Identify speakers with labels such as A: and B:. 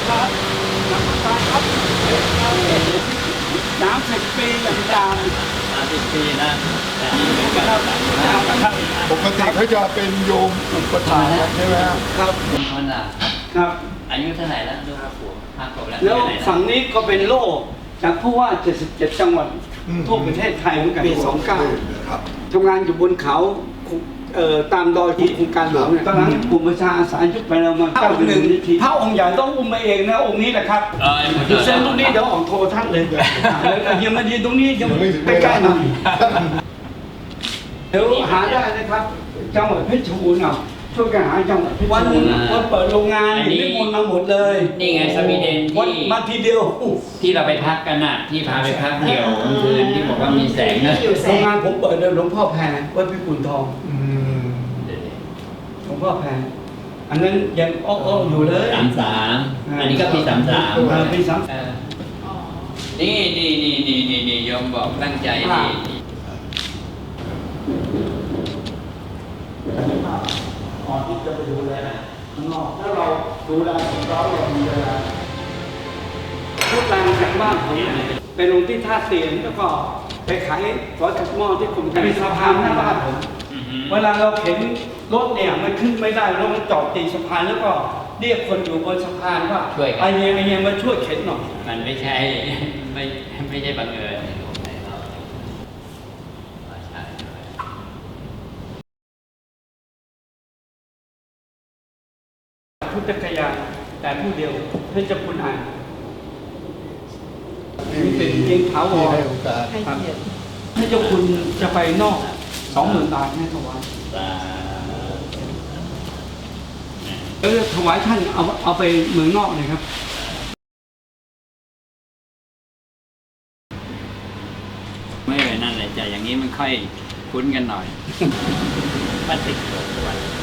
A: ครับน้ำตาลครับ30 ปีอย่างยาว
B: 30 ปีนะแต่นี่เป็นการ
A: ครับ
C: ปกติเขาจะเป็นโยมอุปถากใช่ไหมครับ
A: ครับ
B: เป็นคนอ่ะ
A: ครับ
B: อายุเท่าไหร่แล้วดู5 ขวบแล้ว
A: แล้ว
B: อยู่ไหน
A: ฝั่งนี้ก็เป็นโล่จากผู้ว่า 77 จังหวัดทั่วประเทศไทยเหมือนกันปี
C: ครับ
A: 29ทำงานอยู่บนเขาตามดอยที่โครงการหลวงเนี่ยตอนนั้นกลุ่มประชาอาสายุคไปเรามาพระองค์ใหญ่ต้องอุ้มมาเองนะองค์นี้แหละครับ เส้นตรงนี้เดี๋ยวออกโทรทัศน์เลยยังมายืนตรงนี้ยังใกล้ๆหน่อยเดี๋ยวหาได้นะครับจังหวัดเพชรบูรณ์เอาช่วยกันหาจังหวัดเพชรบูรณ์วันเปิดโรงงานนิมนต์มาหมดเลย
B: นี่ไงสวีเดน
A: วันมาทีเดียว
B: ที่เราไปพักกันน่ะที่พาไปพักเดี่ยวกลางคืนที่บอกว่ามีแสงนะ
A: โรงงานผมเปิดโดยหลวงพ่อแพรวัดพิกุลทองหลวงพ่อแพรอันนั้นยังอ้ออยู่เลย
B: 33อันนี้ก็ปี33
A: ปี3
B: นี่โยมบอกตั้งใจดี
A: ก่อนที่จะไปดูแลข้างนอกถ้าเราดูแลของเรามีเวลาพูดแรงจากบ้านผมไปลงที่ท่าเตียนแล้วก็ไปขายร้อยกระหม้อที่กลุ่มมีสะพานหน้าบ้านผมเวลาเราเห็นรถเนี่ยมันขึ้นไม่ได้รถมันจอดตีสะพานแล้วก็เรียกคนอยู่บนสะพานว่าไอ้เนี่ยมาช่วยเข็นหน่อย
B: มันไม่ใช่ไม่ใช่บังเอิญ
A: พุทธกยาแต่ผู้เดียวเพื่อจะคุณอ่านนี่เป็นเพียงเท้าวร
C: ให้โอกาส
A: ถ้าเจ้าคุณจะไปนอก 20,000 บาทให้ถวายแล้วถวายท่านเอาไปเมืองนอกเลยครับ
B: ไม่เลยนั่นแหละใจอย่างนี้มันค่อยคุ้นกันหน่อยปฏิกิริยา